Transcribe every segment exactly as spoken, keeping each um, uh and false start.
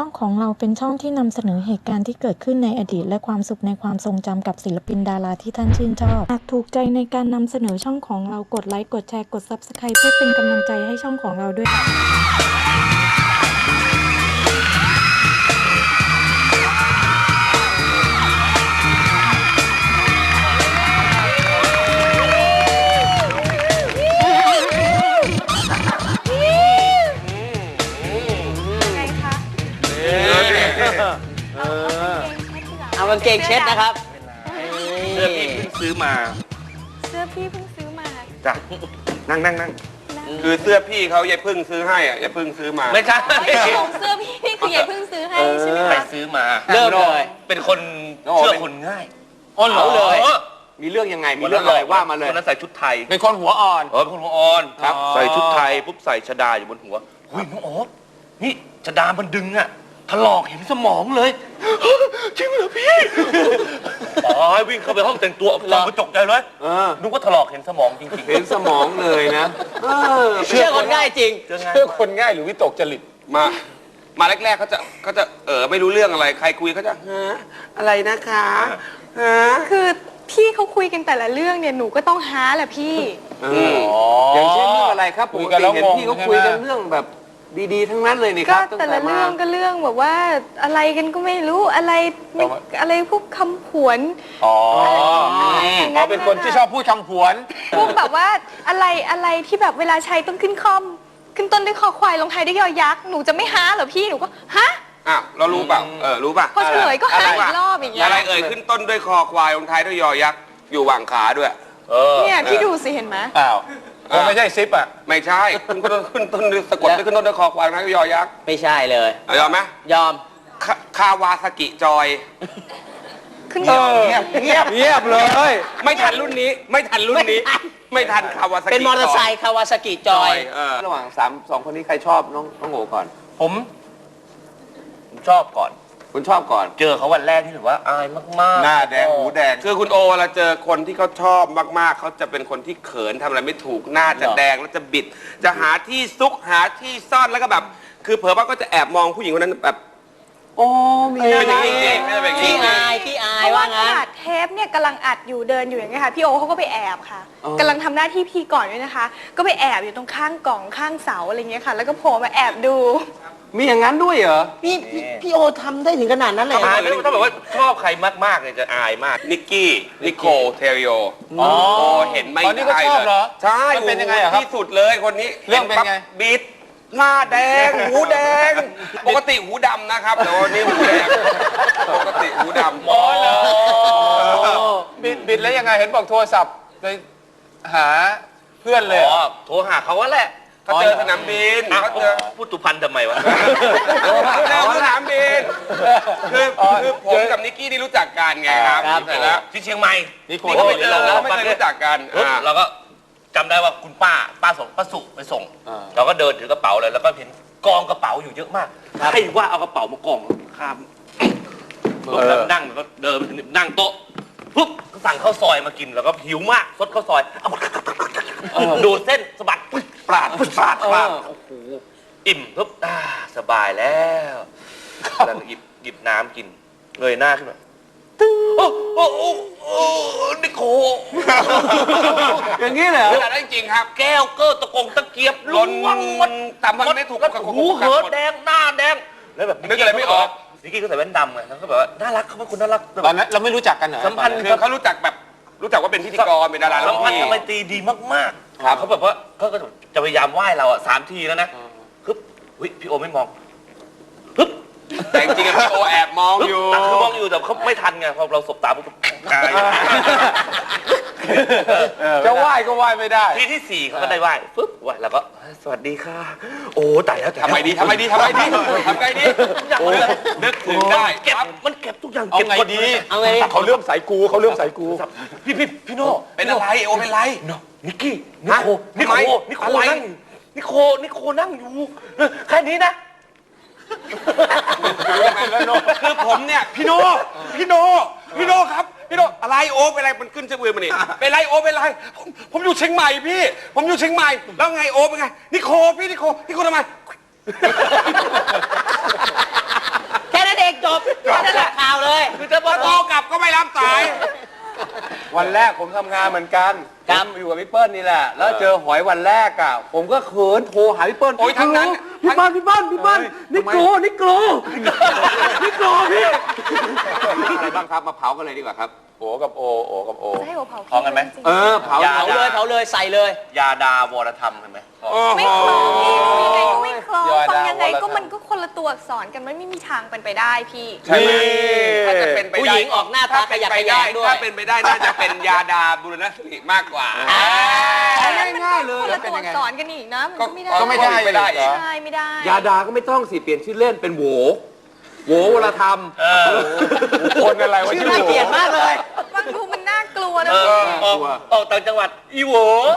องของเราเป็นช่องที่นำเสนอเหตุการณ์ที่เกิดขึ้นในอดีตและความสุขในความทรงจำกับศิลปินดาราที่ท่านชื่นชอบหากถูกใจในการนำเสนอช่องของเรากดไลค์กดแชร์กด ซับสไครบ์ เพื่อเป็นกำลังใจให้ช่องของเราด้วยเอากางเกงเช็ดนะครับเสื้อพี่เพิ่งซื้อมาเสื้อพี่เพิ่งซื้อมาจ้ะนั่งนั่งนั่งคือเสื้อพี่เขายายพึ่งซื้อให้อ่ะยายพึ่งซื้อมาไม่ใช่ของเสื้อพี่นี่คือยายเพิ่งซื้อให้ใช่ไหมไปคะซื้อมาเริ่มเลยเป็นคนเชื่อคนง่ายอ๋อเหรอเลยมีเรื่องยังไงมีเรื่องอะไรว่ามาเลยคนนั้นใส่ชุดไทยเป็นคนหัวอ่อนเออเป็นคนหัวอ่อนครับใส่ชุดไทยปุ๊บใส่ชดาอยู่บนหัวหุ้ยน้องโอ๊ตนี่ชดามันดึงอ่ะถลอกเห็นสมองเลยจริงเหรอพี่อ๋อวิ่งเข้าไปห้องแต่งตัวส่องกระจกใจเลยนึกว่าถลอกเห็นสมองจริงๆเห็นสมองเลยนะเชื่อคนง่ายจริงเชื่อคนง่ายหรือวิตกจริตมามาแรกๆเขาจะเขาจะเออไม่รู้เรื่องอะไรใครคุยเขาจะฮะอะไรนะคะฮะคือพี่เขาคุยกันแต่ละเรื่องเนี่ยหนูก็ต้องฮาแหละพี่อย่างเช่นเรื่องอะไรครับปกติเห็นพี่เขาคุยกันเรื่องแบบดีๆทั้งนั้นเลยนี่คก็รับแต่ละเรื่องก็เรื่องแบบว่าอะไรกันก็ไม่รู้อะไรไม่อะไรพวกคำผวนอ๋ออ๋อเป็นคนที่ชอบพูดคำผวนพวกแบบว่าอะไรอะไรที่แบบเวลาใช้ต้องขึ้นคอมขึ้นต้นด้วยคอควายลงท้ายด้วยยอยักษ์หนูจะไม่ฮาเหรอพี่หนูก็ฮะอ้าวเรารู้เปล่าเออรู้ป่ะพอเฉลยก็ฮาอีกรอบอย่างเงี้ยอะไรเอ่ยขึ้นต้นด้วยคอควายลงท้ายด้วยยอยักษ์อยู่หว่างขาด้วยเนี่ยพี่ดูสิเห็นไหมอ้าวไม่ใช่ซิปอ่ะไม่ใช่ขึ้นต้นขึ้นต้นสะกดขึ้นต้นด้วยคอควายลงท้ายด้วยยอยักษ์ไม่ใช่เลยยอมไหมยอมคาวาซากิจอยขึ้นเงียบเงียบเงียบเลยไม่ทันรุ่นนี้ไม่ทันรุ่นนี้ไม่ทันคาวาซากิเป็นมอเตอร์ไซค์คาวาซากิจอยระหว่างสามสองคนนี้ใครชอบน้องน้องโง่ก่อนผมผมชอบก่อนคุณชอบก่อนเจอเขาวันแรกที่ถือว่าอายมากๆหน้าแดงหูแดงคือคุณโอเราเจอคนที่เขาชอบมากๆเขาจะเป็นคนที่เขินทำอะไรไม่ถูกหน้าจะแดงแล้วจะบิดจะหาที่ซุกหาที่ซ่อนแล้วก็แบบคือเผลอว่าก็จะแอบมองผู้หญิงคนนั้นแบบโอ้มีเป็นอย่างนี้ไม่เป็นที่อายที่อายว่างั้นอัดเทปเนี่ยกำลังอัดอยู่เดินอยู่อย่างเงี้ยค่ะพี่โอเขาก็ไปแอบค่ะกำลังทำหน้าที่พี่ก่อนด้วยนะคะก็ไปแอบอยู่ตรงข้างกล่องข้างเสาอะไรเงี้ยค่ะแล้วก็โผล่มาแอบดูมีอย่างนั้นด้วยเหรอพี่พี่โอทำได้ถึงขนาดนั้นเลยถ้าแบบว่าชอบใครมากๆเนี่ยจะอายมากนิกกี้นิโคเทริโออ๋อเห็นไม่ได้เลยใช่เป็นยังไงครับที่สุดเลยคนนี้เรื่องเป็นไงบิดหน้าแดงหูแดงปกติหูดำนะครับแต่วันนี้หูแดงปกติหูดำอ๋อบิดบิดแล้วยังไงเห็นบอกโทรศัพท์ไปหาเพื่อนเลยอ๋อโทรหาเขาว่าแหละเขาเจอสนามบินเขาเจอพูดตุพันทำไมวะเจอสนามบินคือคือผมกับนิกกี้นี่รู้จักกันไงครับเสร็จแล้วที่เชียงใหม่นี่ก็ไม่เจอเราไม่เคยรู้จักกันเราก็จำได้ว่าคุณป้าป้าส่งป้าสุไปส่งเราก็เดินถือกระเป๋าเลยแล้วก็เห็นกองกระเป๋าอยู่เยอะมากให้ว่าเอากระเป๋ามากองข้ามนั่งแล้วก็เดินไปถึงนั่งโต๊ะปุ๊บสั่งข้าวซอยมากินแล้วก็หิวมากซดข้าวซอยเอาดูเส้นสะบัดปราดปราดปราดโอ้โหอิ่มปุ๊บสบายแล้วแล้วหยิบหยิบน้ำกินเงยหน้าขึ้นมาโอ้โอ้โอ้โอ้นิโคอย่างนี้เลยขนาดนั้นจริงครับแก้วเกอร์ตะกงตะเกียบล้นมันแต่มันไม่ถูกกับหูเหอแดงหน้าแดงแล้วแบบนึกอะไรไม่ออกนิกกี้ก็ใส่แว่นดำไงเขาก็แบบว่าน่ารักเขาเป็นคนน่ารักตอนนั้นเราไม่รู้จักกันเหรอสัมพันธ์คือเขารู้จักแบบรู้จักว่าเป็นพิธีกรเป็นดาราสัมพันธ์ทำไมตีดีมากๆเขาแบบว่าเขาก็จะพยายามไหว้เราอ่ะสามทีแล้วนะปึ๊บพี่โอไม่มองปึ๊บแต่จริงๆพี่โอแอบมองอยู่คือมองอยู่แต่เขาไม่ทันไงพอเราสบตาปุ๊บจะไหว้ก็ไหว้ไม่ได้ทีที่สี่เขาก็ได้ไหว้ปึ๊บไหว้แล้วก็สวัสดีค่ะโอ้ตายแล้วทำไมดีทำไมดีทำไมดีทำไงดีนึกถึงได้เก็บมันเก็บทุกอย่างเก็บดีเอาไงเขาเริ่มใส่กูเขาเริ่มใส่กูพี่พี่พี่โน่เป็นอะไรโอเป็นไรนิกกี้นิโคนิโคนิโคนั่งนิโคนิโคนั่งอยู่แค่นี้นะคือผมเนี่ยพี่โนพี่โนพี่โนครับพี่โนอะไรโอเป็นอะไรมันขึ้นเชือกมือมันนี่เป็นไรโอเป็นไรผมอยู่เชียงใหม่พี่ผมอยู่เชียงใหม่แล้วไงโอเป็นไงนิโคพี่นิโคนิโคทำไมวันแรกผมทำงานเหมือนกันครับผมอยู่กับพี่เปิ้ลนี่แหละ แล้วเจอหอยวันแรกอ่ะ ผมก็เขินโทรหาพี่เปิ้ลโอ้ยทั้งนั้นพี่เปิ้ลพี่เปิ้ลพี่เปิ้ลนี่โกรนี่โกรนี่โกรพี่อะไรบ้างครับ มาเผากันเลยดีกว่าครับโอกับโอโอกับโอจะให้โอเผาพร้อมกันไหมเออเผาเผาเลยเผาเลยใส่เลยยาดาวรธรรมเห็นไหมไม่คล้องพี่ยังไงก็ไม่คล้องยอดฟังดาวยังไงก็วรธรรมมันก็คนละตัวอักษรกันมันไม่มีทางเป็นไปได้พี่ใช่ไหมถ้าจะเป็นไปได้ผู้หญิงออกหน้าตาขยักขยงด้วยถ้าเป็นไปได้น่าจะเป็นยาดาบุรณสิริมากกว่าอันนั้นมันง่ายๆเลยคนแล้ละวเป็นตัวยังไงอักษรกันอีกนะมันก็ไม่ได้ก็ไม่ได้ไม่ได้อีกใช่ไม่ได้ยาดาก็ไม่ต้องสิเปลี่ยนชื่อเล่นเป็นโหวโหววรธรรมคนอะไรวะชื่อชื่อน่าโหวเกลียดมากเลยฟังดูมันน่ากลัวนะเอพี่อออกออกต่างจังหวัดอีโหว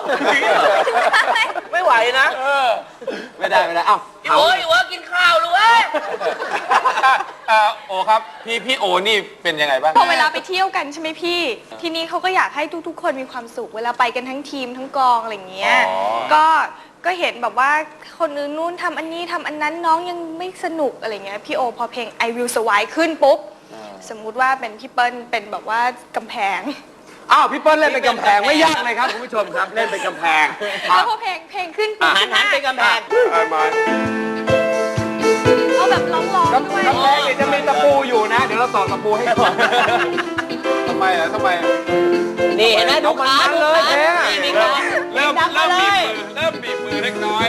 ไม่ไหวนะไม่ได้ไม่ได้เอ้าอีโหวอีโหวกินข้าวเลยเว้ยอ่าโอครับพี่พี่โอนี่เป็นยังไงบ้างพอเวลาไปเที่ยวกันใช่ไหมพี่ ทีนี้เขาก็อยากให้ทุกๆ คนมีความสุขเวลาไปกันทั้งทีมทั้งกองอะไรอย่างเงี้ย ก็ก็เห็นแบบว่าคนอื่นนู่นทำอันนี้ทำอันนั้นน้องยังไม่สนุกอะไรเงี้ยพี่โอพอเพลง I Will Survive ขึ้นปุ๊บ สมมุติว่าเป็นพี่เปิ้ลเป็นแบบว่ากำแพงอ้าวพี่เปิ้ลเล่นเป็นกำแพงไม่ยากเลยครับคุณผู้ชมครับเล่นเป็นกำแพงแล้วพอเพลงเพลงขึ้นปุ๊บหันหันไปกำแพงเอาแบบร้องๆด้วยกำแพงเนี่ยจะมีตะปูอยู่นะ เดี๋ยวเราต่อตะปูให้ก่อนทำไมอ่ะทำไมนี่เห็นไหมดูขาเอามันดูเลยขาแท้นี่มีขาเริ่มดังมาเริ่มเลบีบยมือเริ่มบีบมือเล็กน้อย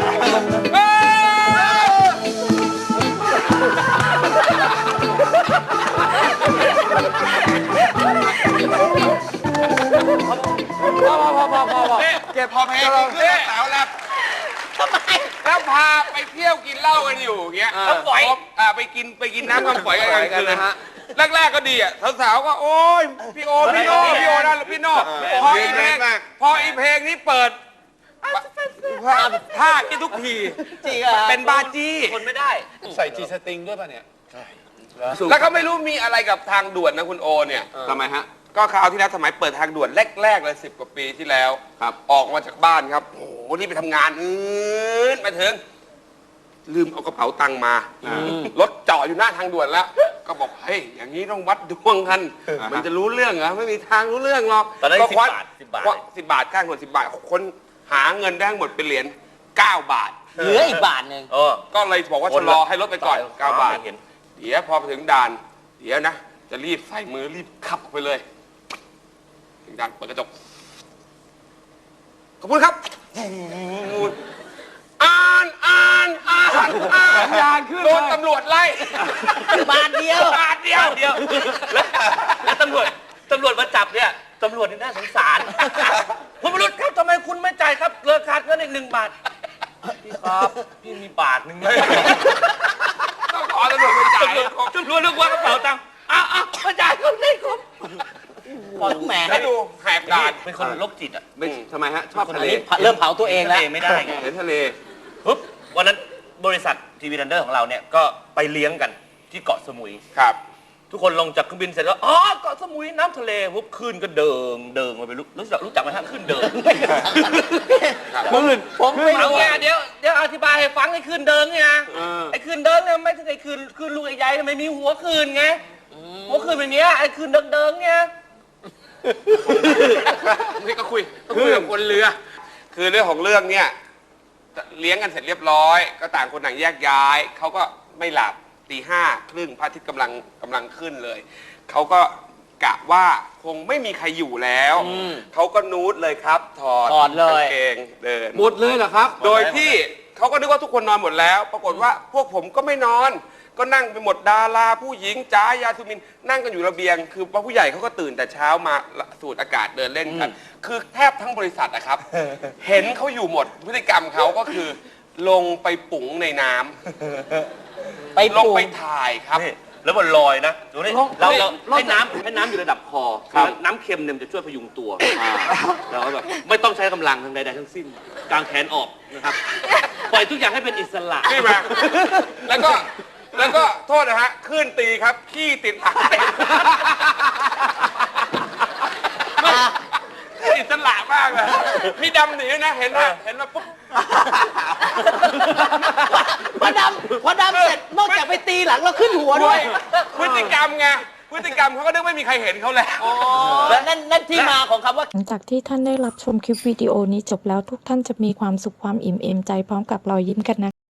พอพอพอพอพอพอเก็บพอเพลงขึ้นสาวแล้วทำไมแล้วพาไปเที่ยวกินเหล้ากันอยู่อย่างเงี้ยน้ำฝอยอ่าไปกินไปกินน้ำน้ำฝอยกันกลางคืนนะฮะแรกๆก็ดีอ่ะสาวๆก็โอ๊ยพี่โอพี่โนพี่โอนั่นพี่โนพออีเพลงพออีเพลงนี้เปิดท่าที่ทุกทีจริงเหรอเป็นบาจี้คนไม่ได้ใส่จีสติงด้วยป่ะเนี่ยแล้วก็ไม่รู้มีอะไรกับทางด่วนนะคุณโอเนี่ยทำไมฮะก็คราวที่แล้วสมัยเปิดทางด่วนแรกๆเลยสิบกว่าปีที่แล้วครับออกมาจากบ้านครับโอ้โหนี่ไปทำงานอืดมาถึง ลืมเอากระเป๋าตังค์มารถจอดอยู่หน้าทางด่วนแล้ว ก็บอกเฮ้ยอย่างนี้ต้องวัดดวงกัน มันจะรู้เรื่องเหรอไม่มีทางรู้เรื่องหรอกตอนนั้นก็สิบควักบาทสิบบาทควักสิบบาทข้างคนสิบบาทคนหาเงินได้ทั้งหมดเป็นเหรียญเก้าบาทเหลืออีกบาทหนึ่งเออก็เลยบอกว่าชะลอให้รถไปก่อนเก้าบาทเห็นเดี๋ยวพอไปถึงด่าน เดี๋ยวนะ จะรีบใส่มือรีบขับออกไปเลย ถึงด่านเปิดกระจก ขอบคุณครับ อ่านอ่านอ่านอ่านอ่านขึ้นเลยโดนตำรวจไล่บาทเดียวบาทเดียวเดียวแล้วแล้วตำรวจตำรวจมาจับเนี่ยตำรวจนี่น่าสงสารคุณวรุษครับทำไมคุณไม่จ่ายครับเลิกขาดเงินอีกหนึ่งบาทพี่ครับพี่มีบาทหนึ่งเลยต้องขอตำรวจไปจ่ายตำรวจนึกว่ากระเป๋าตังค์อ้าวอ้าวมาจ่ายเขาได้ครับพอแหมให้ดูแหกด่านเป็นคนโรคจิตอ่ะไม่ทำไมฮะ ชอบอัทะนเลนี้เริ่มเผาตัวเองแล้วเองไม่ได้ไงเห็นทะเลปุ๊บวันนั้นบริษัททีวีรันเดอร์ของเราเนี่ยก็ไปเลี้ยงกันที่เกาะสมุยครับทุกคนลงจากเครื่องบินเสร็จแล้วอ๋อเกาะสมุยน้ำทะเลปุ๊บคลื่นก็เดิงเดิงมาไปรู้รู้จักรู้จักไหมฮะคลื่นเดิงผมผมไม่เอารู้ไงเดี๋ยวเดี๋ยวอธิบายให้ฟังไอ้คลื่นเดิงไงไอ้คลื่นเดิงเนี่ยไม่ใช่ไอ้คลื่นคลื่นลูกใหญ่ๆไม่มีหัวคลื่นไงหัวคลื่นแบบเนี้ยไอ้คลื่นเดิงเดิงๆไงนี่ก็คุยก็คุยกับคนเรือ คือเรื่องของเรื่องเนี่ยเลี้ยงกันเสร็จเรียบร้อย ก็ต่างคนต่างแยกย้ายเขาก็ไม่หลับตีห้าครึ่งพระอาทิตย์กำลังกำลังขึ้นเลยเขาก็กะว่าคงไม่มีใครอยู่แล้วเขาก็นูดเลยครับ ถอดถอดเลยกางเกงเดินหมดเลยเหรอครับโดยที่เขาก็นึกว่าทุกคนนอนหมดแล้ว ปรากฏว่าพวกผมก็ไม่นอน ก็นั่งไปหมดดาราผู้หญิงจ้ายาสุมินนั่งกันอยู่ระเบียง คือผู้ใหญ่เขาก็ตื่นแต่เช้ามาสูดอากาศเดินเล่นกัน คือแทบทั้งบริษัทนะครับ เห็นเขาอยู่หมดพฤติกรรมเขาก็คือ ลงไปปุ๋งในน้ำไปลงปลูกไปถ่ายครับนี่แล้วมันลอยนะดูนี่ลงเราเราลงให้น้ำให้น้ำอยู่ระดับคอครับน้ำเค็มเนี่ยมันจะช่วยพยุงตัวเราแบบไม่ต้องใช้กำลังทางใดๆทั้งสิ้นกางแขนออกนะครับปล่อยทุกอย่างให้เป็นอิสระนี่มา แล้วก็ แล้วก็โทษนะฮะขึ้นตีครับ ขี้ติดหลังเต็มอิสระมากเลยพี่ดำหนีนะ เห็นไหมเห็นไหมปุ๊บพอดำพอดำเสร็จนอกจากไปตีหลังเราขึ้นหัวด้วยพฤติกรรมไงพฤติกรรมเขาก็นึกไม่มีใครเห็นเขาแล้วแล้วนั่นนั่นที่มาของคำว่าหลังจากที่ท่านได้รับชมคลิปวิดีโอนี้จบแล้วทุกท่านจะมีความสุขความอิ่มเอมใจพร้อมกับรอยยิ้มกันนะ